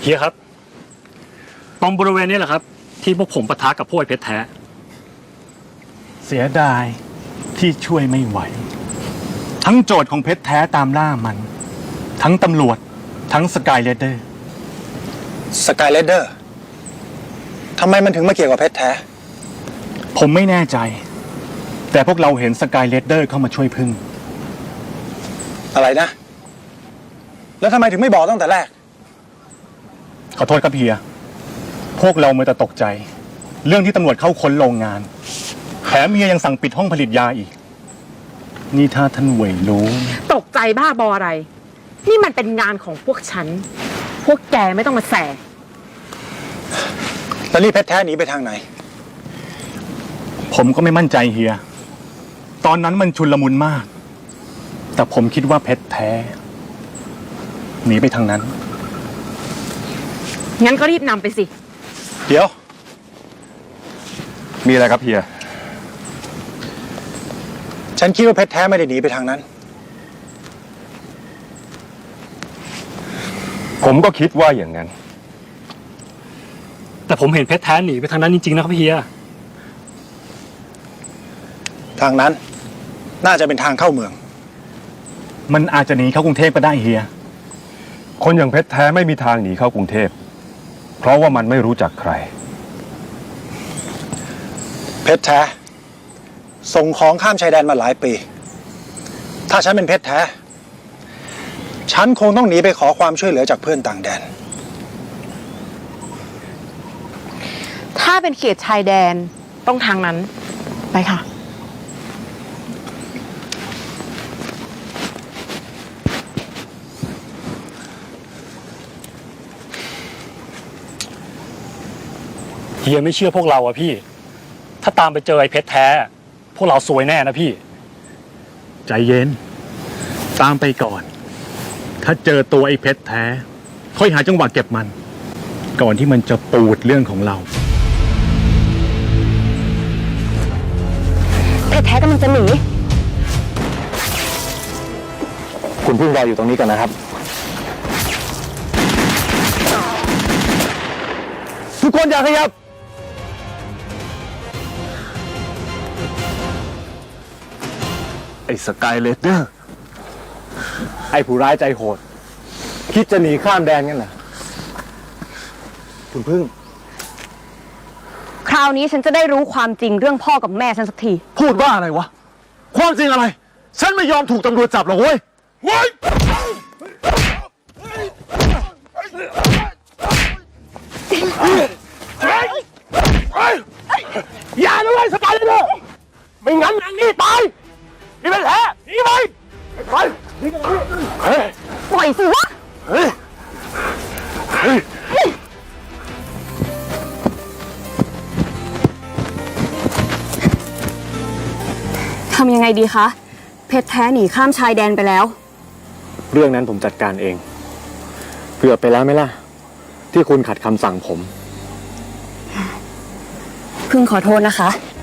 ฮียครับตรงบริเวณนี้แหละครับที่พวกผมปะทะกับพวกไอ้เพชรแท้เสียดายที่ช่วยไม่ไหวทั้งโจทย์ของเพชรแท้ตามล่ามัน ทั้งตำรวจทั้งสกายเลดเดอร์สกายเลดเดอร์ทำไมมันถึงมาเกี่ยวกับเพชรแท้ผมไม่แน่ใจ แต่พวกเราเห็นสกายเลดเดอร์เข้ามาช่วยพึ่งอะไรนะแล้วทำไมถึงไม่บอกตั้งแต่แรกขอโทษครับเฮียพวกเราเมื่อแต่ตกใจเรื่องที่ตำรวจเข้าค้นโรงงานแถมเฮียยังสั่งปิดห้องผลิตยาอีกนี่ถ้าท่านเว่ยรู้ตกใจบ้าบออะไรนี่มันเป็นงานของพวกฉันพวกแกไม่ต้องมาแสแล้วนี่เพชรแท้หนีไปทางไหนผมก็ไม่มั่นใจเฮียตอนนั้นมันชุลมุนมากแต่ผมคิดว่าเพชรแท้หนีไปทางนั้นงั้นก็รีบนำไปสิเดี๋ยวมีอะไรครับเฮียฉันคิดว่าเพชรแท้ไม่ได้หนีไปทางนั้นผมก็คิดว่าอย่างนั้นแต่ผมเห็นเพชรแท้หนีไปทางนั้นจริงๆนะครับเฮียทางนั้นน่าจะเป็นทางเข้าเมืองมันอาจจะหนีเข้ากรุงเทพก็ได้เฮียคนอย่างเพชรแท้ไม่มีทางหนีเข้ากรุงเทพเพราะว่ามันไม่รู้จักใครเพชรแท้ส่งของข้ามชายแดนมาหลายปีถ้าฉันเป็นเพชรแท้ฉันคงต้องหนีไปขอความช่วยเหลือจากเพื่อนต่างแดนถ้าเป็นเขตชายแดนต้องทางนั้นไปค่ะเฮียไม่เชื่อพวกเราอะพี่ถ้าตามไปเจอไอ้เพชรแท้พวกเราซวยแน่นะพี่ใจเย็นตามไปก่อนถ้าเจอตัวไอ้เพชรแท้ค่อยหาจังหวะเก็บมันก่อนที่มันจะปูดเรื่องของเราเพชรแท้กำลังจะหนีคุณพึ่งรออยู่ตรงนี้กันนะครับทุกคนอย่าขยับไอ้สกายเลดเดอร์ไอ้ผู้ร้ายใจโหดคิดจะหนีข้ามแดนกันเหรอคุณพึ่งคราวนี้ฉันจะได้รู้ความจริงเรื่องพ่อกับแม่ฉันสักทีพูดว่าอะไรวะความจริงอะไรฉันไม่ยอมถูกตำรวจจับหรอกเว้ยอย่านะเว้ยสกายเลดเดอร์ไม่งั้นนางนี่ตายนี่เป็นแผลหนีไปไปนี่กันปล่อยสิวะทำยังไงดีคะเพชรแท้หนีข้ามชายแดนไปแล้วเรื่องนั้นผมจัดการเองเกือบไปแล้วไหมล่ะที่คุณขัดคำสั่งผมพึ่งขอโทษนะคะ